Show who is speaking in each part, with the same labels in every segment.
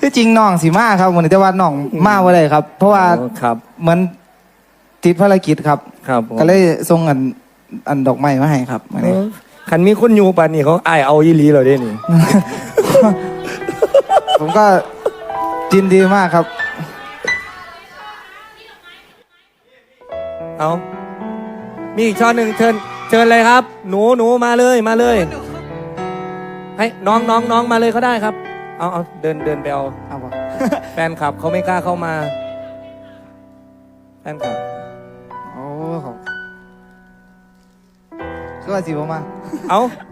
Speaker 1: ที่จริงน้องสีมาครับวันนี้แต่ว่าน้องมาว่าไรครับ เพราะว่า
Speaker 2: ครับ
Speaker 1: เหมือนติดภารกิจครับ
Speaker 2: ครับ
Speaker 1: ก็เลยส่งอันดอกไม้มาให้ครับวันนี้
Speaker 2: คันมีคนอยู่ป่านนี้เขาอ้ายเอาอีหลีเราได้นี่
Speaker 1: ผมก็ยินดีมากครับ
Speaker 2: เอามีอีกช่อหนึ่งเชิญเลยครับ หนูมาเลยมาเลย ให้น้องมาเลยเขาได้ครับ เอาเดินไปเอา
Speaker 1: เอาปะ
Speaker 2: แฟนคลับเขาไม่กล้าเข้ามา แฟนคลับ
Speaker 1: โอ้ขอบคือว่าสิผมมา
Speaker 2: เอา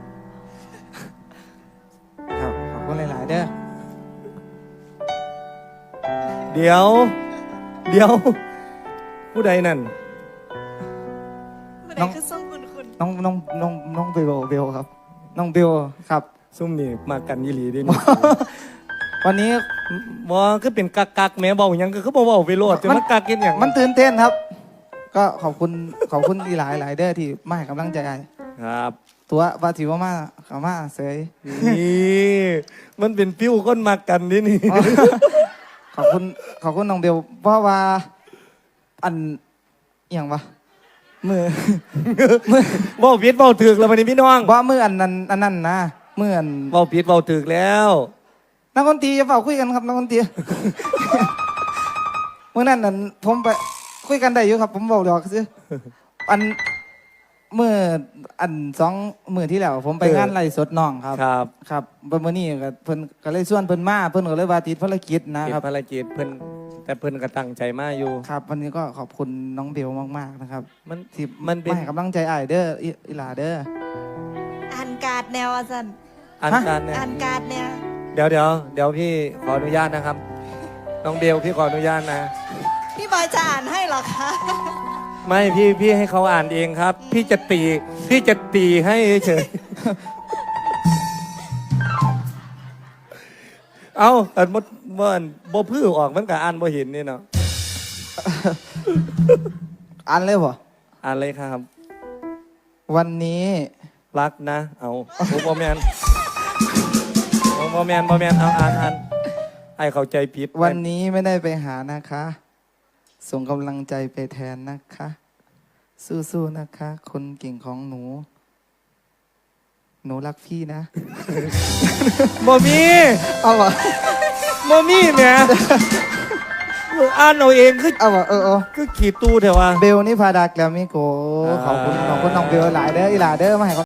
Speaker 1: ครับขอบคุณหลายๆเด้อ
Speaker 2: เดี๋ยว ผู้ใดนั่น
Speaker 3: น้องคือส่งคุณ
Speaker 1: น้องเบลครับ น้องเบลครับ
Speaker 2: ซุ่มนี่มากันยีหลีดิ นี่
Speaker 1: วันนี้
Speaker 2: บ่คือเป็นกักแม่เบาหยังก็คือบ่เว้าไปโลดจะมากักกินหยัง
Speaker 1: มันตื่นเต้นครับ ก็ขอบคุณที่หลายเด้อที่มาให้กำลังใจ
Speaker 2: ครับ
Speaker 1: ตัวว่าสิว่ามาเขามาเสย
Speaker 2: นี่มันเป็นปิ้วคนมากันนี่นี่
Speaker 1: ขอบคุณน้องเบลเพราะว่าอันอหย่างวะมือ
Speaker 2: เว้าผิดเว้าถูกแล้ววันนี้พี่น้อง
Speaker 1: ว่ามืออันนั้นนะมืออัน
Speaker 2: เว้าผิดเว้าถูกแล้ว
Speaker 1: นักดนตรีจะเฝ้าคุยกันครับนักดนตรี เมื่อนั้นนั่นผมไปคุยกันได้อยู่ครับ ผมบอกเดี๋ยวซื้ออันมืออัน2 มื้อที่แล้ว ผมไปงานไล่สดน้องครับ
Speaker 2: ครับ
Speaker 1: ครับมื้อนี้ก็เพิ่นก็เลยชวนเพิ่นมาเพิ่นก็เลยว่าติดภารกิจนะ
Speaker 2: ติด
Speaker 1: ครับ
Speaker 2: ภารกิจเพิ่นแต่เพิ่นก็ตั้งใจมาอยู่
Speaker 1: ครับ วันนี้ก็ขอบคุณน้องเบลมากๆนะครับ
Speaker 2: มัน
Speaker 1: ที่
Speaker 2: มันเป็น
Speaker 1: มาให้กำลังใจอ้ายเด้ออีหลาเด้อ
Speaker 3: อ่านการ์ดแนวอาจารย์
Speaker 2: อันการเนี่ย
Speaker 3: อ่านการ์ดแนว
Speaker 2: เดี๋ยวพี่ขออนุญาตนะครับ น้องเบลพี่ขออนุญาตนะ
Speaker 3: พี่บอยจะอ่านให้เหรอคะ
Speaker 2: ไม่พี่ให้เขาอ่านเองครับ พี่จะตีให้เฉย เอาอันมดบ่พื้อออกมันก็อ่านบ่เห็นนี่เนาะ
Speaker 1: อ่านเลยบ่
Speaker 2: อ่านเลยครับ
Speaker 1: วันนี้
Speaker 2: รักนะ เอาบ่แมนบ่แมนเอาอ่านไอ้เข้าใจผิด
Speaker 1: วันนี้ไม่ได้ไปหานะคะ ส่งกำลังใจไปแทนนะคะ สู้ๆนะคะ คนเก่งของหนู หนูรักพี่นะ
Speaker 2: บ่มี
Speaker 1: เอาวะ
Speaker 2: บ่มีแหมอ่านเอาเองคือ
Speaker 1: เอาวะเออ
Speaker 2: คือขี่ตู้เถอะว่า
Speaker 1: เบลนี่พาดาแกรมมี่โกขอบคุณน้องเบลหลายเด้ออีหลาเด้อมาให้